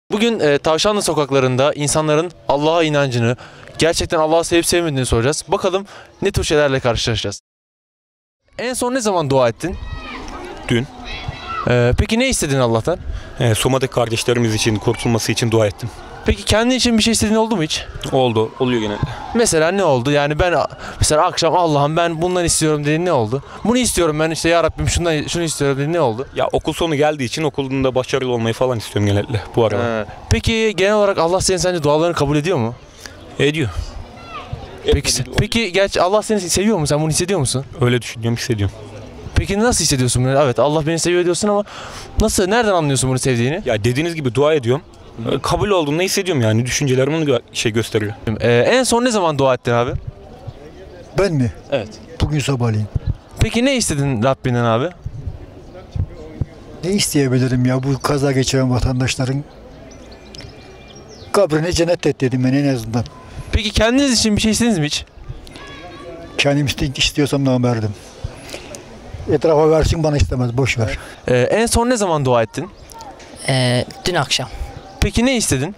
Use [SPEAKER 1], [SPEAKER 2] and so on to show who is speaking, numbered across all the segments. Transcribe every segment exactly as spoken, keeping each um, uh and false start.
[SPEAKER 1] Bugün e, Tavşanlı sokaklarında insanların Allah'a inancını, gerçekten Allah'ı sevip sevmediğini soracağız. Bakalım ne tür şeylerle karşılaşacağız. En son ne zaman dua ettin?
[SPEAKER 2] Dün.
[SPEAKER 1] E, peki ne istedin Allah'tan?
[SPEAKER 2] E, Soma'daki kardeşlerimiz için, kurtulması için dua ettim.
[SPEAKER 1] Peki kendi için bir şey istediğin oldu mu hiç?
[SPEAKER 2] Oldu, oluyor genelde.
[SPEAKER 1] Mesela ne oldu? Yani ben mesela akşam Allah'ım ben bundan istiyorum dediğin ne oldu? Bunu istiyorum ben işte ya Rabbim şundan, şunu istiyorum dediğin ne oldu?
[SPEAKER 2] Ya okul sonu geldiği için okulunda başarılı olmayı falan istiyorum genelde bu arada.
[SPEAKER 1] He. Peki genel olarak Allah senin sence dualarını kabul ediyor mu?
[SPEAKER 2] Ediyor.
[SPEAKER 1] Peki, peki gerçi Allah seni seviyor mu? Sen bunu hissediyor musun?
[SPEAKER 2] Öyle düşünüyorum, hissediyorum.
[SPEAKER 1] Peki nasıl hissediyorsun bunu? Evet Allah beni seviyor diyorsun ama nasıl, nereden anlıyorsun bunu sevdiğini?
[SPEAKER 2] Ya dediğiniz gibi dua ediyorum. E, kabul olduğunu hissediyorum yani. Düşüncelerim onu gö- şey gösteriyor.
[SPEAKER 1] Ee, en son ne zaman dua ettin abi?
[SPEAKER 3] Ben mi?
[SPEAKER 1] Evet.
[SPEAKER 3] Bugün sabahleyin.
[SPEAKER 1] Peki ne istedin Rabbinden abi?
[SPEAKER 3] Ne isteyebilirim ya bu kaza geçiren vatandaşların kabrini cennet et dedim ben en azından.
[SPEAKER 1] Peki kendiniz için bir şey istediniz mi hiç?
[SPEAKER 3] Kendim iste- istiyorsam da verdim. Etrafa versin bana istemez boş ver.
[SPEAKER 1] Ee, en son ne zaman dua ettin?
[SPEAKER 4] Ee, dün akşam.
[SPEAKER 1] Peki ne istedin?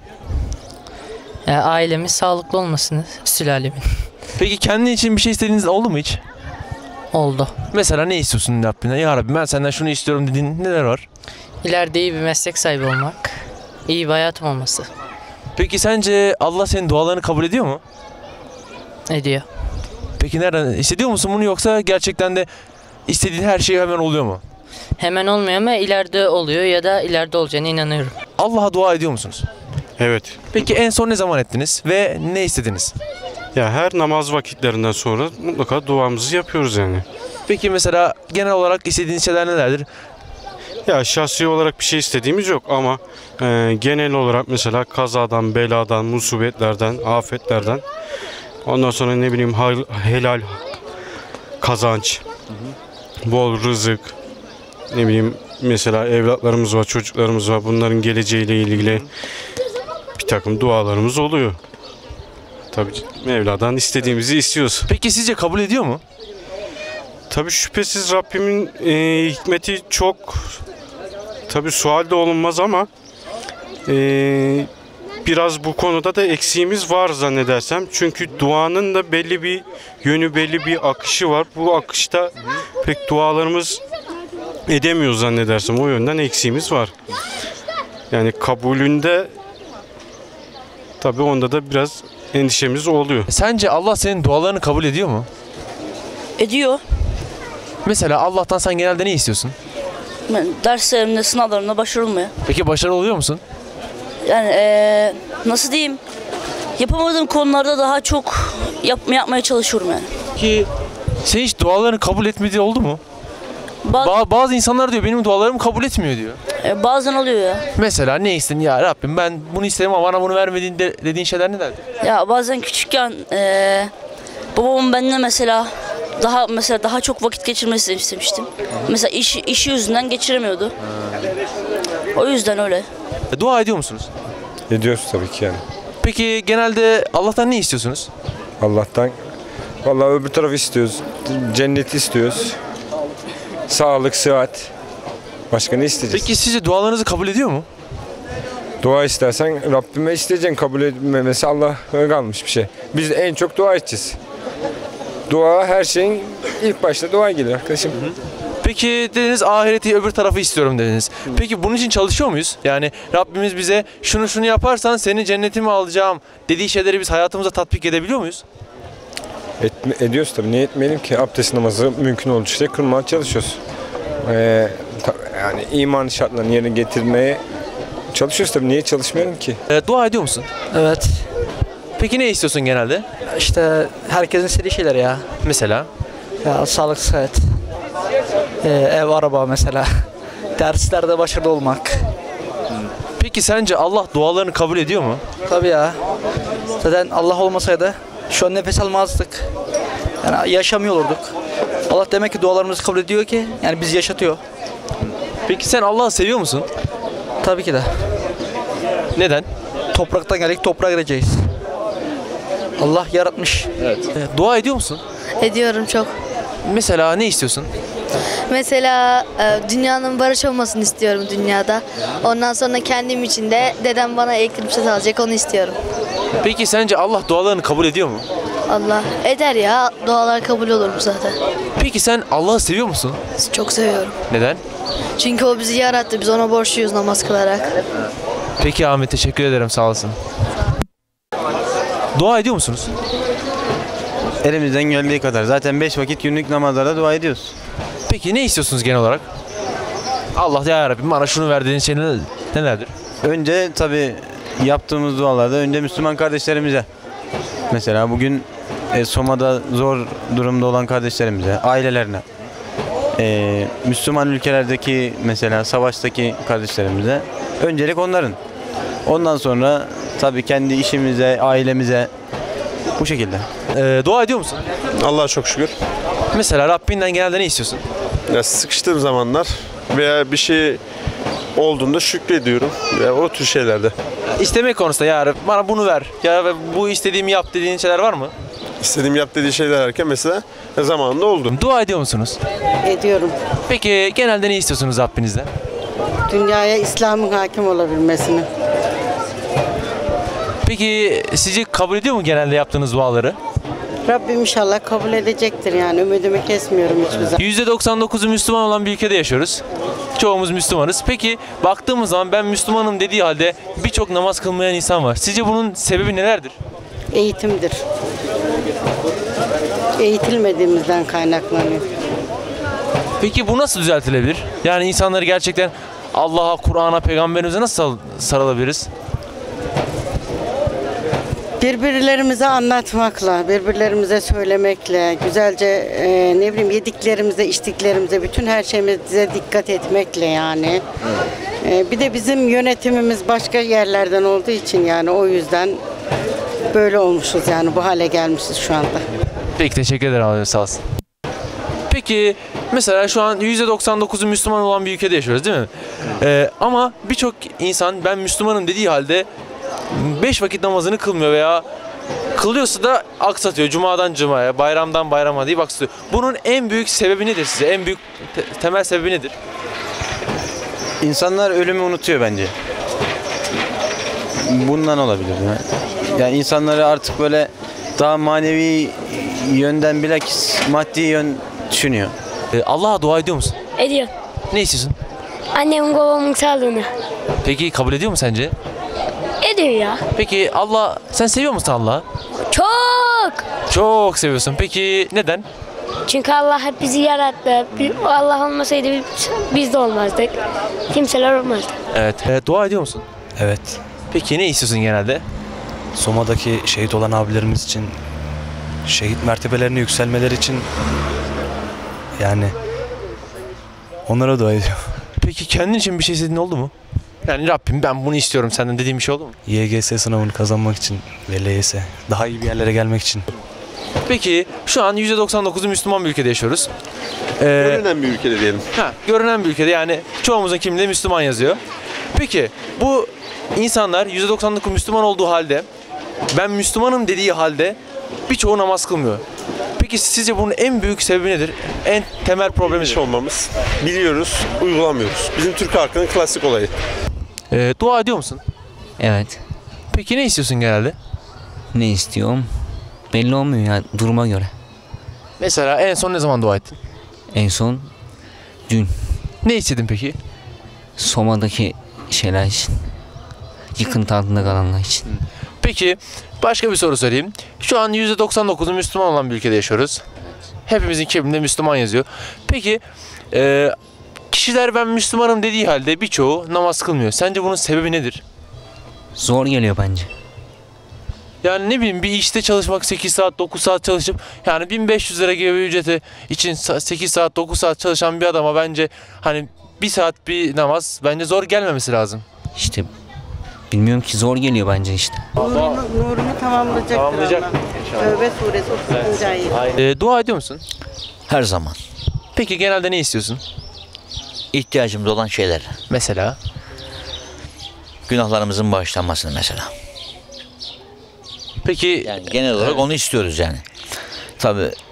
[SPEAKER 4] Ee, ailemin sağlıklı olmasını, sülalemin.
[SPEAKER 1] Peki kendi için bir şey istediğiniz oldu mu hiç?
[SPEAKER 4] Oldu.
[SPEAKER 1] Mesela ne istiyorsun Rabbinden? Ya Rabbi ben senden şunu istiyorum dediğin neler var?
[SPEAKER 4] İleride iyi bir meslek sahibi olmak, iyi bir hayatım olması
[SPEAKER 1] Peki sence Allah senin dualarını kabul ediyor mu?
[SPEAKER 4] ediyor.
[SPEAKER 1] Peki nereden hissediyor musun bunu, yoksa gerçekten de istediğin her şey hemen oluyor mu?
[SPEAKER 4] Hemen olmuyor ama ileride oluyor ya da ileride olacağına inanıyorum.
[SPEAKER 1] Allah'a dua ediyor musunuz?
[SPEAKER 5] Evet.
[SPEAKER 1] Peki en son ne zaman ettiniz ve ne istediniz?
[SPEAKER 5] Ya her namaz vakitlerinden sonra mutlaka duamızı yapıyoruz yani.
[SPEAKER 1] Peki mesela genel olarak istediğiniz şeyler nelerdir?
[SPEAKER 5] Ya şahsi olarak bir şey istediğimiz yok ama e, genel olarak mesela kazadan, beladan, musibetlerden, afetlerden, ondan sonra ne bileyim hal- helal kazanç, bol rızık, ne bileyim mesela evlatlarımız var, çocuklarımız var, bunların geleceğiyle ilgili bir takım dualarımız oluyor. Tabii Mevla'dan istediğimizi istiyoruz.
[SPEAKER 1] Peki sizce kabul ediyor mu?
[SPEAKER 5] Tabii şüphesiz Rabbimin e, hikmeti çok, tabii sual de olunmaz ama e, biraz bu konuda da eksiğimiz var zannedersem. Çünkü duanın da belli bir yönü, belli bir akışı var. Bu akışta pek dualarımız edemiyoruz zannedersem. O yönden eksiğimiz var. Yani kabulünde tabii onda da biraz endişemiz oluyor.
[SPEAKER 1] Sence Allah senin dualarını kabul ediyor mu?
[SPEAKER 6] Ediyor.
[SPEAKER 1] Mesela Allah'tan sen genelde ne istiyorsun?
[SPEAKER 6] Ben derslerimde, sınavlarımda başarılmıyor.
[SPEAKER 1] Peki başarılı oluyor musun?
[SPEAKER 6] Yani ee, nasıl diyeyim? Yapamadığım konularda daha çok yapma, yapmaya çalışıyorum yani.
[SPEAKER 1] Ki sen hiç dualarını kabul etmediği oldu mu?
[SPEAKER 6] Ba-
[SPEAKER 1] Ba- bazı insanlar diyor benim dualarımı kabul etmiyor diyor.
[SPEAKER 6] e, bazen oluyor ya.
[SPEAKER 1] Mesela ne istedin ya Rabbim ben bunu istedim ama bana bunu vermediğin de, dediğin şeyler nelerdi?
[SPEAKER 6] Ya bazen küçükken ee, babamın benimle mesela daha mesela daha çok vakit geçirmesini istemiştim. Mesela iş, işi yüzünden geçiremiyordu. O yüzden öyle.
[SPEAKER 1] E, dua ediyor musunuz?
[SPEAKER 7] Ediyoruz tabii ki yani.
[SPEAKER 1] Peki genelde Allah'tan ne istiyorsunuz?
[SPEAKER 7] Allah'tan. Vallahi öbür tarafı istiyoruz. Cenneti istiyoruz. Sağlık, sıhhat. Başka ne isteyeceğiz?
[SPEAKER 1] Peki sizce dualarınızı kabul ediyor mu?
[SPEAKER 7] Dua istersen Rabbime isteyeceksin. Kabul etmemesi Allah'a kalmış bir şey. Biz en çok dua edeceğiz. Dua her şeyin ilk başta dua gelir arkadaşım.
[SPEAKER 1] Peki dediniz ahireti öbür tarafı istiyorum dediniz. Peki bunun için çalışıyor muyuz? Yani Rabbimiz bize şunu şunu yaparsan seni cennetime alacağım dediği şeyleri biz hayatımıza tatbik edebiliyor muyuz?
[SPEAKER 7] Etme, ediyoruz tabii. Niye etmeyelim ki? Abdest namazı mümkün oldukça kılmaya çalışıyoruz. Ee, ta- yani iman şartlarını yerine getirmeye çalışıyoruz tabii. Niye çalışmayalım ki?
[SPEAKER 1] E, dua ediyor musun?
[SPEAKER 8] Evet.
[SPEAKER 1] Peki ne istiyorsun genelde?
[SPEAKER 8] İşte herkesin istediği şeyler ya.
[SPEAKER 1] Mesela?
[SPEAKER 8] Ya sağlık, sıhhat. Ee, ev, araba mesela. Derslerde başarılı olmak.
[SPEAKER 1] Peki sence Allah dualarını kabul ediyor mu?
[SPEAKER 8] Tabii ya. Zaten Allah olmasaydı şu an nefes almazdık. Yani yaşamıyor olurduk. Allah demek ki dualarımızı kabul ediyor ki yani bizi yaşatıyor.
[SPEAKER 1] Peki sen Allah'ı seviyor musun?
[SPEAKER 8] Tabii ki de.
[SPEAKER 1] Neden?
[SPEAKER 8] Topraktan geldik, toprağa gireceğiz. Allah yaratmış.
[SPEAKER 1] Evet. E, dua ediyor musun?
[SPEAKER 9] Ediyorum çok.
[SPEAKER 1] Mesela ne istiyorsun?
[SPEAKER 9] Mesela e, dünyanın barış olmasını istiyorum dünyada. Ondan sonra kendim için de dedem bana elektrik set alacak, onu istiyorum.
[SPEAKER 1] Peki sence Allah dualarını kabul ediyor mu?
[SPEAKER 9] Allah eder ya, dualar kabul olur mu zaten.
[SPEAKER 1] Peki sen Allah'ı seviyor musun?
[SPEAKER 9] Çok seviyorum.
[SPEAKER 1] Neden?
[SPEAKER 9] Çünkü o bizi yarattı, biz ona borçluyuz namaz kılarak.
[SPEAKER 1] Peki Ahmet, teşekkür ederim, sağ olasın. Dua ediyor musunuz?
[SPEAKER 10] Elimizden geldiği kadar. Zaten beş vakit günlük namazlarda dua ediyoruz.
[SPEAKER 1] Peki ne istiyorsunuz genel olarak? Allah ya Rabbim bana şunu ver dediğin şey neler- nelerdir?
[SPEAKER 10] Önce tabii yaptığımız dualarda önce Müslüman kardeşlerimize. Mesela bugün e, Soma'da zor durumda olan kardeşlerimize, ailelerine. E, Müslüman ülkelerdeki mesela savaştaki kardeşlerimize. Öncelik onların. Ondan sonra tabii kendi işimize, ailemize bu şekilde.
[SPEAKER 1] Ee, dua ediyor musun?
[SPEAKER 11] Allah'a çok şükür.
[SPEAKER 1] Mesela Rabbinden genelde ne istiyorsun?
[SPEAKER 11] Ya sıkıştığım zamanlar veya bir şey olduğunda şükrediyorum. Ya o tür şeylerde.
[SPEAKER 1] İstemek konusunda ya Rabbi bana bunu ver. Ya Rabbi bu istediğimi yap dediğin şeyler var mı?
[SPEAKER 11] İstediğim yap dediği şeyler derken mesela zamanında oldu.
[SPEAKER 1] Dua ediyor musunuz?
[SPEAKER 12] Ediyorum.
[SPEAKER 1] Peki genelde ne istiyorsunuz Rabbinizden?
[SPEAKER 12] Dünyaya İslam'ın hakim olabilmesini.
[SPEAKER 1] Peki sizce kabul ediyor mu genelde yaptığınız duaları?
[SPEAKER 12] Rabbim inşallah kabul edecektir yani. Ümidimi kesmiyorum hiçbir zaman.
[SPEAKER 1] yüzde doksan dokuzu Müslüman olan bir ülkede yaşıyoruz. Çoğumuz Müslümanız. Peki baktığımız zaman ben Müslümanım dediği halde birçok namaz kılmayan insan var. Sizce bunun sebebi nelerdir?
[SPEAKER 12] Eğitimdir. Eğitilmediğimizden kaynaklanıyor.
[SPEAKER 1] Peki bu nasıl düzeltilebilir? Yani insanları gerçekten Allah'a, Kur'an'a, peygamberimize nasıl sarılabiliriz?
[SPEAKER 12] Birbirlerimize anlatmakla, birbirlerimize söylemekle, güzelce e, ne bileyim yediklerimize, içtiklerimize, bütün her şeyimize dikkat etmekle yani. E, bir de bizim yönetimimiz başka yerlerden olduğu için yani o yüzden böyle olmuşuz yani bu hale gelmişiz şu anda.
[SPEAKER 1] Peki teşekkür ederim abi, sağ olsun. Peki mesela şu an yüzde doksan dokuzu Müslüman olan bir ülkede yaşıyoruz değil mi? Ee, ama birçok insan ben Müslümanım dediği halde beş vakit namazını kılmıyor veya kılıyorsa da aksatıyor. Cuma'dan cumaya, bayramdan bayrama diye aksatıyor. Bunun en büyük sebebi nedir size? En büyük te- temel sebebi nedir?
[SPEAKER 10] İnsanlar ölümü unutuyor bence. Bundan olabilir. Yani, yani insanları artık böyle daha manevi yönden bilakis maddi yön düşünüyor.
[SPEAKER 1] Ee, Allah'a dua ediyor musun?
[SPEAKER 13] Ediyor.
[SPEAKER 1] Ne istiyorsun?
[SPEAKER 13] Annemin babamın sağlığını.
[SPEAKER 1] Peki kabul ediyor mu sence?
[SPEAKER 13] Ediyor ya.
[SPEAKER 1] Peki Allah, sen seviyor musun Allah'ı?
[SPEAKER 13] Çok.
[SPEAKER 1] Çok seviyorsun. Peki neden?
[SPEAKER 13] Çünkü Allah hep bizi yarattı. Bir- Allah olmasaydı biz, biz de olmazdık. Kimseler olmazdı.
[SPEAKER 1] Evet. Ee, dua ediyor musun?
[SPEAKER 2] Evet.
[SPEAKER 1] Peki ne istiyorsun genelde?
[SPEAKER 2] Soma'daki şehit olan abilerimiz için, şehit mertebelerine yükselmeleri için yani onlara dua ediyorum.
[SPEAKER 1] Peki kendin için bir şey istediğin oldu mu? Yani Rabbim ben bunu istiyorum senden dediğim bir şey oldu mu?
[SPEAKER 2] Y G S sınavını kazanmak için ve L Y S daha iyi bir yerlere gelmek için.
[SPEAKER 1] Peki şu an yüzde doksan dokuzu Müslüman bir ülkede yaşıyoruz. Ee,
[SPEAKER 11] Görünen bir ülkede diyelim.
[SPEAKER 1] ha, görünen bir ülkede yani çoğumuzun kimliğinde Müslüman yazıyor. Peki bu insanlar yüzde doksan dokuz Müslüman olduğu halde ben Müslümanım dediği halde birçoğu namaz kılmıyor. Peki sizce bunun en büyük sebebi nedir? En temel problemi
[SPEAKER 11] Bilmiş
[SPEAKER 1] nedir?
[SPEAKER 11] olmamız. Biliyoruz, uygulamıyoruz. Bizim Türk halkının klasik olayı.
[SPEAKER 1] Ee, dua ediyor musun?
[SPEAKER 14] Evet.
[SPEAKER 1] Peki ne istiyorsun genelde?
[SPEAKER 14] Ne istiyorum? Belli olmuyor ya duruma göre.
[SPEAKER 1] Mesela en son ne zaman dua ettin?
[SPEAKER 14] En son dün
[SPEAKER 1] Ne istedin peki?
[SPEAKER 14] Soma'daki şeyler için. Yıkıntı altında kalanlar için.
[SPEAKER 1] Peki başka bir soru sorayım. Şu an yüzde doksan dokuzu Müslüman olan bir ülkede yaşıyoruz. Hepimizin kimliğinde Müslüman yazıyor. Peki e, kişiler ben Müslümanım dediği halde birçoğu namaz kılmıyor. Sence bunun sebebi nedir?
[SPEAKER 14] Zor geliyor bence.
[SPEAKER 1] Yani ne bileyim bir işte çalışmak sekiz saat dokuz saat çalışıp yani bin beş yüz lira gibi bir ücreti için sekiz saat dokuz saat çalışan bir adama bence hani bir saat bir namaz bence zor gelmemesi lazım.
[SPEAKER 14] İşte bilmiyorum ki zor geliyor bence işte.
[SPEAKER 12] Nurunu, nurunu tamamlayacaktır
[SPEAKER 1] Tamamlayacak.
[SPEAKER 12] Allah. Tövbe suresi otuz ikinci ayet.
[SPEAKER 1] E, dua ediyor musun?
[SPEAKER 15] Her zaman.
[SPEAKER 1] Peki genelde ne istiyorsun?
[SPEAKER 15] İhtiyacımız olan şeyler.
[SPEAKER 1] Mesela?
[SPEAKER 15] Günahlarımızın bağışlanmasını mesela.
[SPEAKER 1] Peki
[SPEAKER 15] yani genel olarak onu istiyoruz yani. Tabii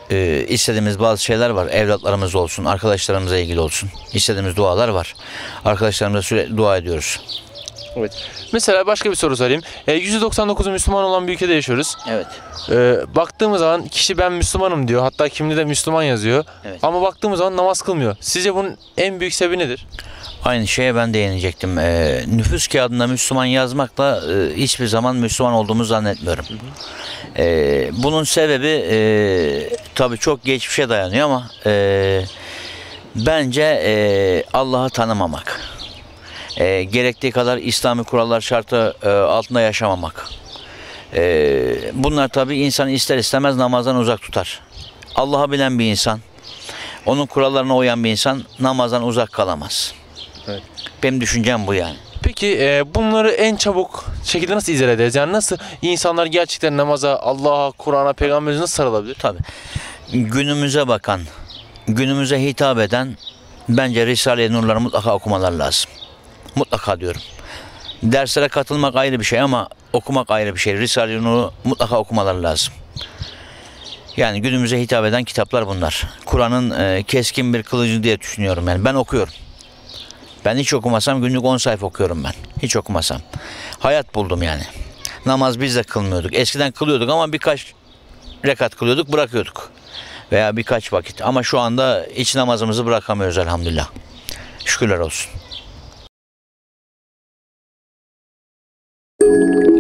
[SPEAKER 15] e, istediğimiz bazı şeyler var. Evlatlarımız olsun, arkadaşlarımızla ilgili olsun. İstediğimiz dualar var. Arkadaşlarımıza sürekli dua ediyoruz.
[SPEAKER 1] Evet. Mesela başka bir soru sorayım. E, yüzde doksan dokuzu Müslüman olan bir ülkede yaşıyoruz.
[SPEAKER 15] Evet.
[SPEAKER 1] E, baktığımız zaman kişi ben Müslümanım diyor. Hatta kimde de Müslüman yazıyor.
[SPEAKER 15] Evet.
[SPEAKER 1] Ama baktığımız zaman namaz kılmıyor. Sizce bunun en büyük sebebi nedir?
[SPEAKER 15] Aynı şeye ben değinecektim. E, nüfus kağıdında Müslüman yazmakla e, hiçbir zaman Müslüman olduğumuzu zannetmiyorum. Hı hı. E, bunun sebebi e, tabii çok geçmişe dayanıyor ama e, bence e, Allah'ı tanımamak. E, gerektiği kadar İslami kurallar şartı e, altında yaşamamak. E, bunlar tabii insanı ister istemez namazdan uzak tutar. Allah'ı bilen bir insan, onun kurallarına uyan bir insan namazdan uzak kalamaz.
[SPEAKER 1] Evet.
[SPEAKER 15] Benim düşüncem bu yani.
[SPEAKER 1] Peki e, bunları en çabuk şekilde nasıl izah ederiz? Yani nasıl insanlar gerçekten namaza, Allah'a, Kur'an'a, Peygamber'e nasıl sarılabilir?
[SPEAKER 15] Tabii. Günümüze bakan, günümüze hitap eden bence Risale-i Nur'ları mutlaka okumalar lazım. Mutlaka diyorum. Derslere katılmak ayrı bir şey ama okumak ayrı bir şey. Risale-i Nur'u mutlaka okumaları lazım. Yani günümüze hitap eden kitaplar bunlar. Kur'an'ın e, keskin bir kılıcı diye düşünüyorum yani. Ben okuyorum. Ben hiç okumasam günlük on sayfa okuyorum ben. Hiç okumasam. Hayat buldum yani. Namaz biz de kılmıyorduk. Eskiden kılıyorduk ama birkaç rekat kılıyorduk, bırakıyorduk. Veya birkaç vakit. Ama şu anda hiç namazımızı bırakamıyoruz elhamdülillah. Şükürler olsun.